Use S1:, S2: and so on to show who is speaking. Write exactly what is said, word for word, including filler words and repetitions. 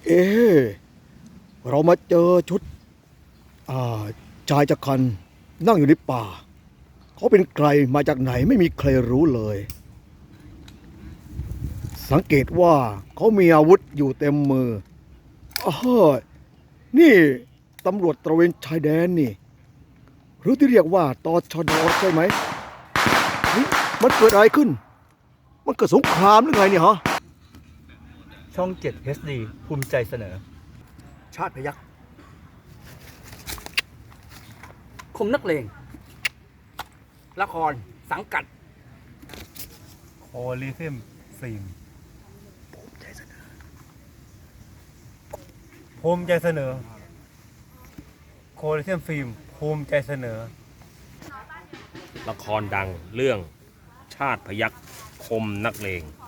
S1: เอ๊ะเรามาเจอชุดอ่าชายจักรันนั่งอยู่ในป่าเขาเป็นใครมาจากไหนไม่มีใครรู้เลย สังเกตว่าเขามีอาวุธอยู่เต็มมืออ้าวนี่ตำรวจตระเวนชายแดนนี่หรือที่เรียกว่าตชดใช่ไหมเฮ้ยมันเกิดอะไรขึ้น มันเกิดสงครามหรือไงเนี่ยฮะ
S2: ช่องเจ็ด เอช ดี ภูมิใจเสนอ
S1: ชาติพยัคฆ์
S3: คมนักเลงละครสังกัด
S2: โอลิซึมฟิล์ม
S1: ภูมิใจเสนอ
S2: ภูมิใจเสนอโคลิซึมฟิล์มภูมิใจเสนอ
S4: ละครดังเรื่องชาติพยัคฆ์คมนักเลง